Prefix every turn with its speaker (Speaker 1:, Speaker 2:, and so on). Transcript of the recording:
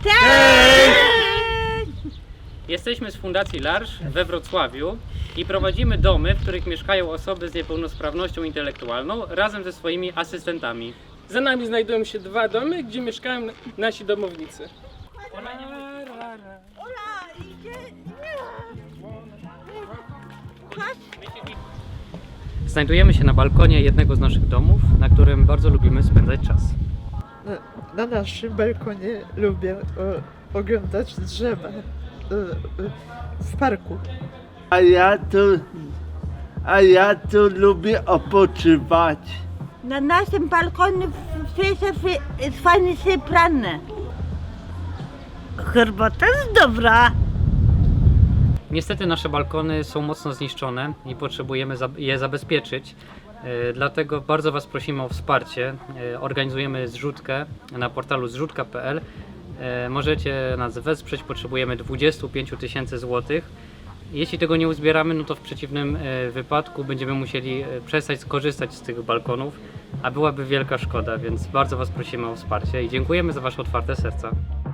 Speaker 1: Cześć!
Speaker 2: Jesteśmy z Fundacji L'Arche we Wrocławiu i prowadzimy domy, w których mieszkają osoby z niepełnosprawnością intelektualną razem ze swoimi asystentami.
Speaker 3: Za nami znajdują się 2 domy, gdzie mieszkają nasi domownicy.
Speaker 2: Znajdujemy się na balkonie jednego z naszych domów, na którym bardzo lubimy spędzać czas.
Speaker 4: Na naszym balkonie lubię oglądać drzewa w parku.
Speaker 5: A ja tu lubię odpoczywać.
Speaker 1: Na naszym balkonie jest fajnie się prane. Herbata jest dobra.
Speaker 2: Niestety nasze balkony są mocno zniszczone i potrzebujemy je zabezpieczyć. Dlatego bardzo Was prosimy o wsparcie. Organizujemy zrzutkę na portalu zrzutka.pl. Możecie nas wesprzeć, potrzebujemy 25 000 złotych. Jeśli tego nie uzbieramy, no to w przeciwnym wypadku będziemy musieli przestać skorzystać z tych balkonów, a byłaby wielka szkoda, więc bardzo Was prosimy o wsparcie i dziękujemy za Wasze otwarte serca.